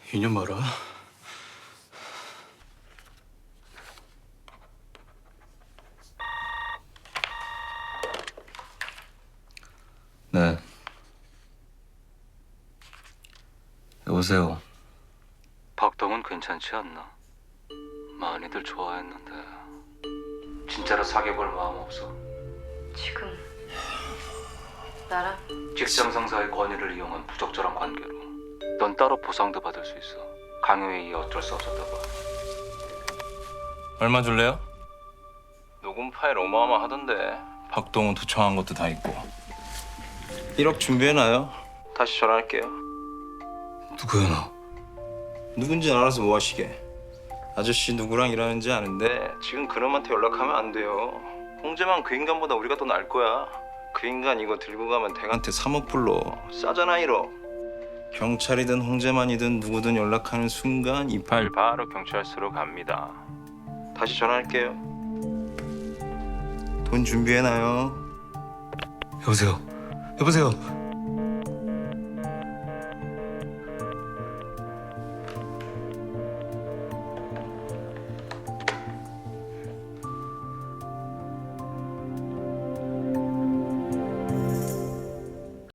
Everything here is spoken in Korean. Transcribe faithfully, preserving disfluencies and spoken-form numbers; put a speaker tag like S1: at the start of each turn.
S1: 이년 봐라. 네. 여보세요. 박동은 괜찮지 않나? 많이들 좋아했는데 진짜로 사귀어볼 마음 없어?
S2: 지금 나랑
S1: 직장 상사의 권위를 이용한 부적절한 관계로 넌 따로 보상도 받을 수 있어. 강요에 의해 어쩔 수 없었다 봐. 얼마 줄래요? 녹음 파일 어마어마하던데. 박동훈 도청한 것도 다 있고. 일억 준비해놔요. 다시 전화할게요. 누구야 너?
S3: 누군지 알아서 뭐 하시게. 아저씨 누구랑 일하는지 아는데 지금 그놈한테 연락하면 안 돼요. 홍재만 그 인간보다 우리가 더 나을 거야. 그 인간 이거 들고 가면 댁한테 삼억 불러. 싸잖아 일억. 경찰이든 홍재만이든 누구든 연락하는 순간 이 파일 바로 경찰서로 갑니다. 다시 전화할게요. 돈 준비해놔요.
S1: 여보세요. 여보세요.